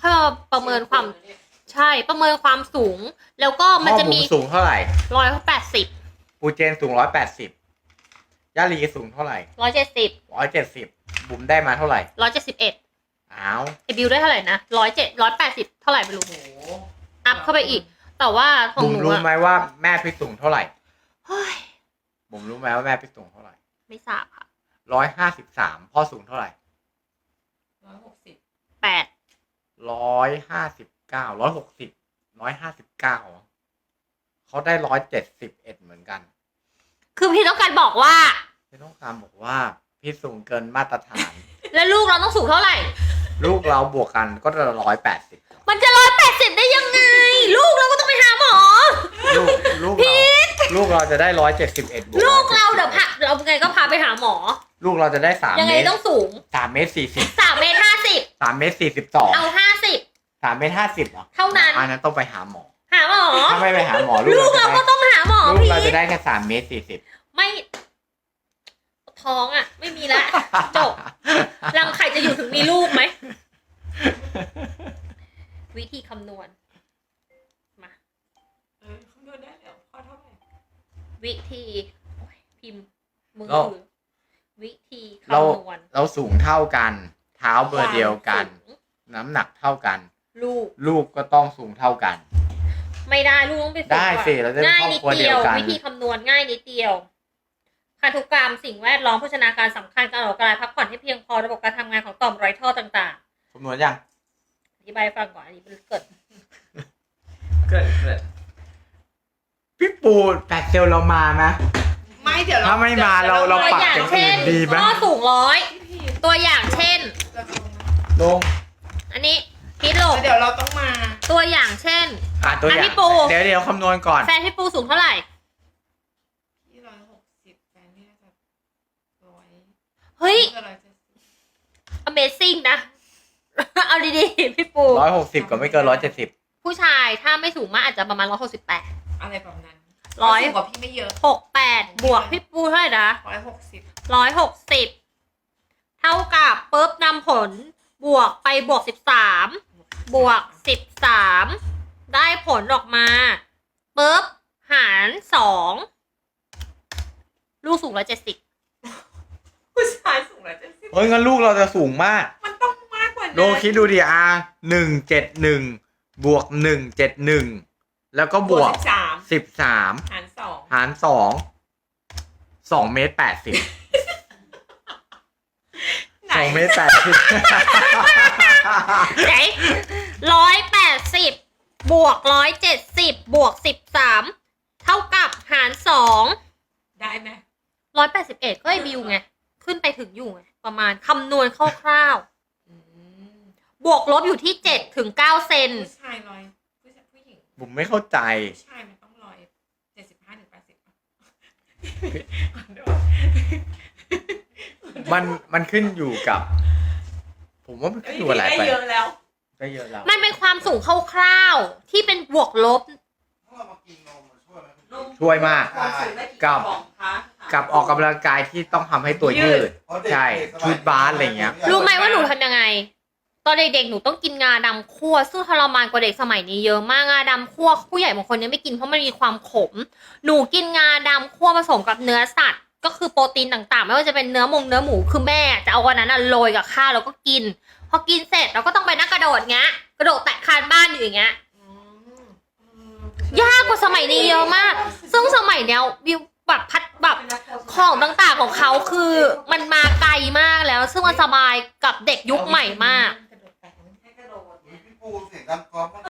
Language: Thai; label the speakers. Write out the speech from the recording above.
Speaker 1: ค่อยมาประเมินความใช่ประเมินความสูง แล้วก็มันจะมี
Speaker 2: สูงเท่าไหร่
Speaker 1: 180
Speaker 2: ปูเจนสูง180ย่าลีสูงเท่าไหร่
Speaker 1: 170
Speaker 2: บุ๋มได้มาเท่าไหร่
Speaker 1: 171
Speaker 2: อ้าว
Speaker 1: ไอบิวได้เท่าไหร่นะ180เท่าไหร่ไม่รู้อัพเข้าไปอีกแต่ว่าของ
Speaker 2: บุ๋ม
Speaker 1: หนู
Speaker 2: รู้ไหมว่าแม่พี่สูงเท่าไหร่
Speaker 1: เฮ้ย
Speaker 2: บุ๋มรู้ไหมว่าแม่พี่สูงเท่าไหร่
Speaker 1: ไม่ทราบค่ะ
Speaker 2: 153พ่อสูงเท่าไหร่
Speaker 1: 8
Speaker 2: 159 160 159เขาได้171เหมือนกัน
Speaker 1: คือพี่ต้องการบอกว่า
Speaker 2: พี่ต้องการบอกว่าพี่สูงเกินมาตรฐาน
Speaker 1: แล้วลูกเราต้องสูงเท่าไหร่
Speaker 2: ลูกเราบวกกันก็จะ180
Speaker 1: มันจะ180ได้ยังไง ลูกเราก็ต้องไปหาหมอ
Speaker 2: ลูกเราจะได้171บวก
Speaker 1: ลูกเราเดี๋ยวพาเราไงก็พาไปหาหมอ
Speaker 2: ลูกเราจะได้3
Speaker 1: ยังไง
Speaker 2: เมตร
Speaker 1: ต้องสูง
Speaker 2: 3 เมตร 40
Speaker 1: 3 เมตร 50
Speaker 2: 3 เมตร 42
Speaker 1: เอา50
Speaker 2: 3 เมตร 50เหรอ
Speaker 1: เท่านั้น
Speaker 2: อันนั้นต้องไปหาหมอ
Speaker 1: หาหมอ
Speaker 2: ถ้าไม่ไปหาหมอ
Speaker 1: ลูกเราก็ต้องหาหมอ
Speaker 2: ลูก
Speaker 1: พี่
Speaker 2: เราจะได้แค่3 เมตร 40
Speaker 1: ไม่ท้องอ่ะ ไม่มีละจบรังไข่จะอยู่ถึงมีลูกไหม วิธีคำนวณมา
Speaker 3: คำนวณได้แล้วพอเท่าไหร่
Speaker 1: วิธีพิมพ์มือถือวิธีคำนวณ
Speaker 2: เราสูงเท่ากัน เท้าเบอร์เดียวกัน น้ำหนักเท่ากัน ลูกก็ต้องสูงเท่ากัน
Speaker 1: ไม่ได้ลูกต้องไปสูง
Speaker 2: ได้สิเราจะเป็น
Speaker 1: ง่าย
Speaker 2: ครอบ
Speaker 1: นิด
Speaker 2: ครัว
Speaker 1: เดี
Speaker 2: เดี
Speaker 1: ย
Speaker 2: ยว วกัน
Speaker 1: วิธีคำนวณง่ายนิดเดียวพันธุกรรมสิ่งแวดล้อมโภชนาการสำคัญการออกกำลังกายพักผ่อนให้เพียงพอระบบการทำงานของต่อมไรท่อต่าง
Speaker 2: คำนวณยัง
Speaker 1: ๆอธิบายฟังก่อนอันนี้เกิด
Speaker 2: พี่ปู8เซลเรามาไหม
Speaker 3: ไม่เดี๋ยว
Speaker 2: ถ้าไม่มาเรา
Speaker 1: ตัว
Speaker 2: ปัก
Speaker 1: อย่าง
Speaker 2: อย่าง
Speaker 1: เช่
Speaker 2: อื่
Speaker 1: น
Speaker 2: นดีไหม
Speaker 1: ก็สูง100ตัวอย่างเช่น
Speaker 2: ลง
Speaker 1: อันนี้พิษโลก
Speaker 3: เดี๋ยวเราต้องมา
Speaker 1: ตัวอย่างเช่น
Speaker 2: ตัวอย่าง
Speaker 1: พี่ปู
Speaker 2: เดี๋ยวคำนวณก่อน
Speaker 1: แฟนพี่ปูสูงเท่าไหร่
Speaker 3: ที่160แฟนนี่น่าจะ100
Speaker 1: เฮ้ย Amazing นะ เอาดีๆพี่ปู
Speaker 2: 160ก็ไม่เกิน170
Speaker 1: ผู้ชายถ้าไม่สูงมากอาจจะประมาณ168
Speaker 3: อะไรแบบนั้น
Speaker 1: 100
Speaker 3: สูงกว่าพี่ไม่เยอะ
Speaker 1: 68บวกพี่ปูเท่าไหร่นะ
Speaker 3: 160
Speaker 1: 160เท่ากับปุ๊บนำผลบวกไปบวก13บวก13ได้ผลออกมาปุ๊บหาร2ลูกสูง170
Speaker 3: ผู้ชายสูง170
Speaker 2: เฮ้ยงั้นลูกเราจะสูงมาก
Speaker 3: มันต้องมากกว่านั้น
Speaker 2: โลคิดดูดิ171บวก171แล้วก็บวก13หาร2 2 เมตร 80 2 เมตร 80
Speaker 1: ไหน180บวก170บวก13เท่ากับหาร2
Speaker 3: ได้ไหม
Speaker 1: 181ก็ไอบิวไงขึ้นไปถึงอยู่ไงประมาณคำนวณคร่าวๆบวกลบอยู่ที่7 ถึง 9 เซน
Speaker 3: ผู้ชายผู้หญิง
Speaker 2: ผมไม่เข้าใจ
Speaker 3: ผู้ชายมันต้อง175 ถึง 80
Speaker 2: มันขึ้นอยู่กับ ผมว่ามันขึ้นอยู่อะไรไป
Speaker 3: เยอะแล้ว
Speaker 2: ก็เยอะแล้ว
Speaker 1: มันเป็นความสูงคร่าวๆที่เป็นบวกลบ
Speaker 2: ช่วยมากกับออกกำลังกายที่ต้องทำให้ตัวยืดใช่ชุดบาสอะไรเงี้ย
Speaker 1: รู้ไหมว่าหนูทำยังไงตอนเด็กๆหนูต้องกินงาดำคั่วซึ่งทรมานกว่าเด็กสมัยนี้เยอะมากงาดำคั่วผู้ใหญ่บางคนยังไม่กินเพราะมันมีความขมหนูกินงาดำคั่วผสมกับเนื้อสัตว์ก็คือโปรตีนต่างๆไม่ว่าจะเป็นเนื้อหมูคือแม่จะเอาวันนั้นโรยกับข้าวแล้วก็กินพอกินเสร็จเราก็ต้องไปนั่งกระโดดเงี้ยกระโดดแตะคานบ้านอยู่อย่างเงี้ยยากกว่าสมัยนี้เยอะมากซึ่งสมัยเนี้ยวิวแบบของต่างๆของเขาคือมันมาไกลมากแล้วซึ่งมันสบายกับเด็กยุคใหม่มาก